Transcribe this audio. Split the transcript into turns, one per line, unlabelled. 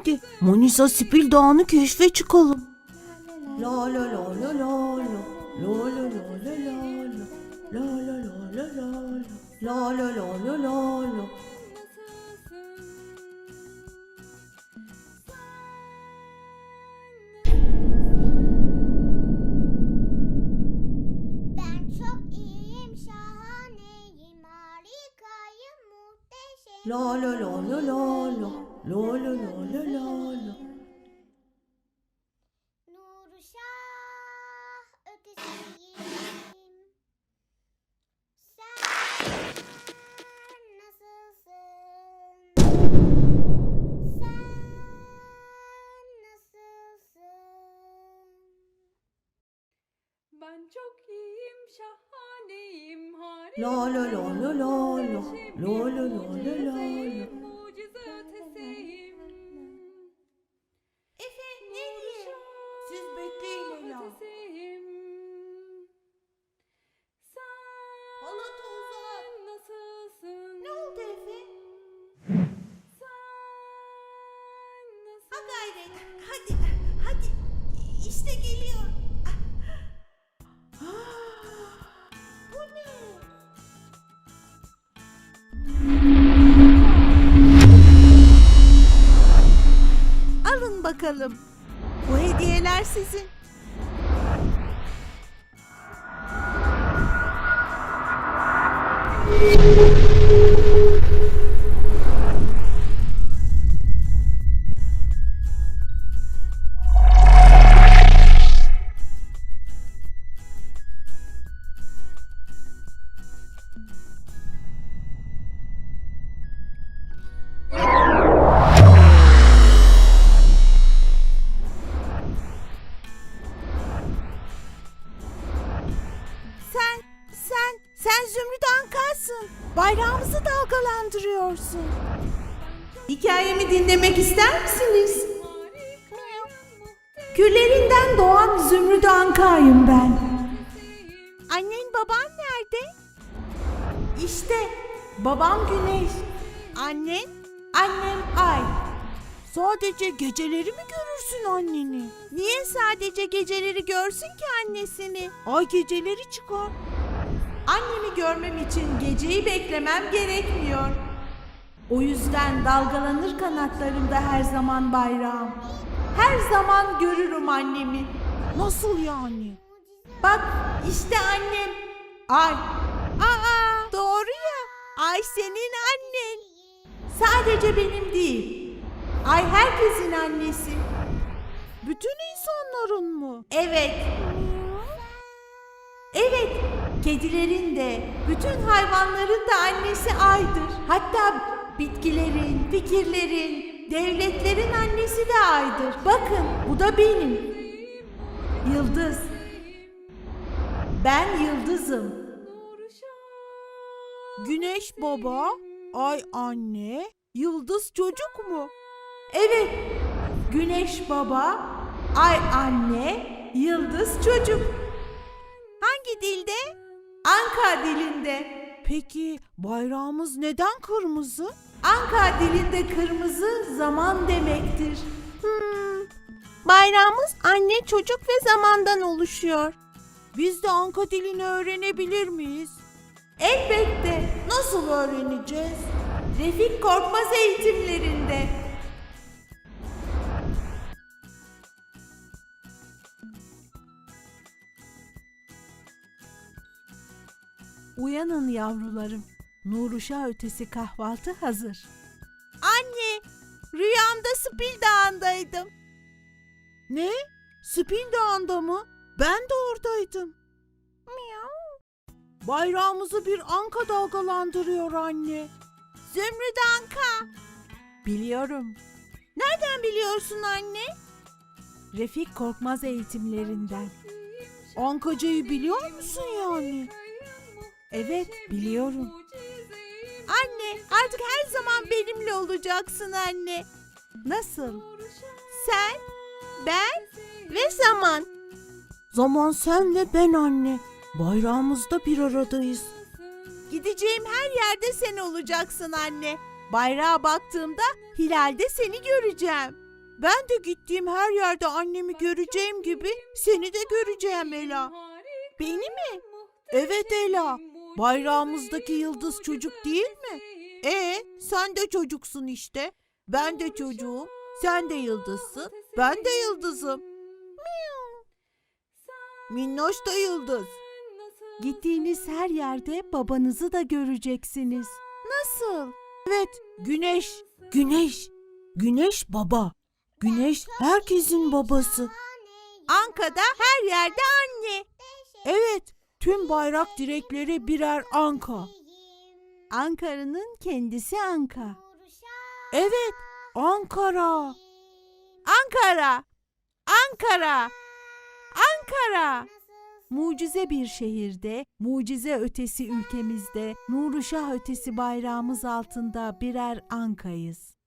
Hadi Manisa Spil Dağı'nı keşfe çıkalım. La la la la la la la la la la la la la la la la la la la la.
Ben çok iyiyim, şahaneyim, harikayım, muhteşem.
La la la la la la la la la la la la.
Nurşah ötesiyim. Sen nasılsın? Sen nasılsın?
Ben çok iyiyim, şahaneyim,
La la la la la la la la la la la.
mucize ötesiyim.
Efe nereye? Siz bekleyin Ela.
Ötesiyim.
Halatı uzat.
Sen nasılsın?
Ne oldu Efe?
Sen nasılsın?
Ha gayret. Hadi hadi. İşte geliyor. Bu ne? Alın bakalım. Bu hediyeler sizin. Sen Zümrüt Anka'sın. Bayrağımızı dalgalandırıyorsun. Hikayemi dinlemek ister misiniz? Küllerinden doğan Zümrüt Anka'yım ben. Annen baban nerede? İşte babam Güneş. Annen? Annem Ay. Sadece geceleri mi görürsün anneni? Niye sadece geceleri görsün ki annesini? Ay geceleri çıkar. Annemi görmem için geceyi beklemem gerekmiyor. O yüzden dalgalanır kanatlarımda her zaman bayrağım. Her zaman görürüm annemi. Nasıl yani? Bak işte annem. Ay. Aa doğru ya. Ay senin annen. Sadece benim değil. Ay herkesin annesi. Bütün insanların mı? Evet. Evet. Kedilerin de, bütün hayvanların da annesi Ay'dır. Hatta bitkilerin, fikirlerin, devletlerin annesi de Ay'dır. Bakın, bu da benim. Yıldız. Ben yıldızım. Güneş baba, Ay anne, yıldız çocuk mu? Evet. Güneş baba, Ay anne, yıldız çocuk. Hangi dilde? Anka dilinde. Peki bayrağımız neden kırmızı? Anka dilinde kırmızı zaman demektir. Bayrağımız anne, çocuk ve zamandan oluşuyor. Biz de Anka dilini öğrenebilir miyiz? Elbette. Nasıl öğreneceğiz? Refik Korkmaz eğitimlerinde. Uyanın yavrularım. Nuruşa ötesi kahvaltı hazır. Anne, rüyamda Spil Dağı'ndaydım. Ne? Spil Dağı'nda mı? Ben de oradaydım. Miau. Bayrağımızı bir anka dalgalandırıyor anne. Zümrüt Anka. Biliyorum. Nereden biliyorsun anne? Refik Korkmaz eğitimlerinden. Ankacayı biliyor musun yani? Evet, biliyorum. Anne, artık her zaman benimle olacaksın anne. Nasıl? Sen, ben ve zaman. Zaman sen ve ben anne. Bayrağımızda bir aradayız. Gideceğim her yerde sen olacaksın anne. Bayrağa baktığımda hilalde seni göreceğim. Ben de gittiğim her yerde annemi göreceğim gibi seni de göreceğim Ela. Beni mi? Evet Ela. Bayrağımızdaki yıldız çocuk değil mi? Sen de çocuksun işte. Ben de çocuğum. Sen de yıldızsın. Ben de yıldızım. Minnoş da yıldız. Gittiğiniz her yerde babanızı da göreceksiniz. Nasıl? Evet, güneş. Güneş. Güneş baba. Güneş herkesin babası. Anka'da her yerde anne. Evet, tüm bayrak direkleri birer anka. Ankara'nın kendisi Anka. Evet, Ankara. Ankara. Ankara. Ankara. Mucize bir şehirde, mucize ötesi ülkemizde, nuru şah ötesi bayrağımız altında birer ankayız.